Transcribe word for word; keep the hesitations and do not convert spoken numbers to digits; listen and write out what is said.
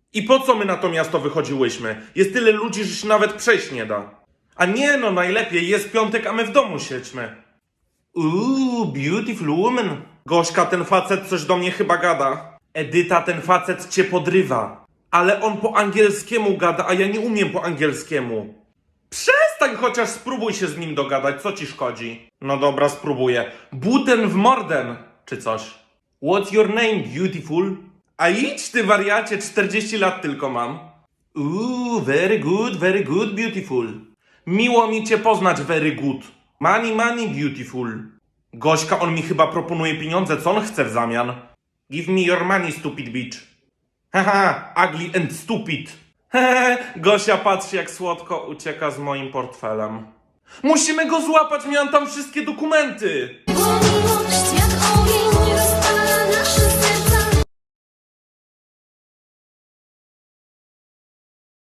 I po co my na to miasto wychodziłyśmy? Jest tyle ludzi, że się nawet przejść nie da. A nie no, najlepiej, jest piątek, a my w domu siedźmy. Uuu, beautiful woman. Gośka, ten facet coś do mnie chyba gada. Edyta, ten facet cię podrywa. Ale on po angielskiemu gada, a ja nie umiem po angielskiemu. Przestań, chociaż spróbuj się z nim dogadać, co ci szkodzi? No dobra, spróbuję. Buten w morden, czy coś. What's your name, beautiful? A idź ty wariacie, czterdzieści lat tylko mam. Uuu, very good, very good, beautiful. Miło mi cię poznać, very good. Money, money, beautiful. Gośka, on mi chyba proponuje pieniądze, co on chce w zamian? Give me your money, stupid bitch. Haha, ugly and stupid. Hehe, Gosia, patrzy jak słodko ucieka z moim portfelem. Musimy go złapać, miałem tam wszystkie dokumenty.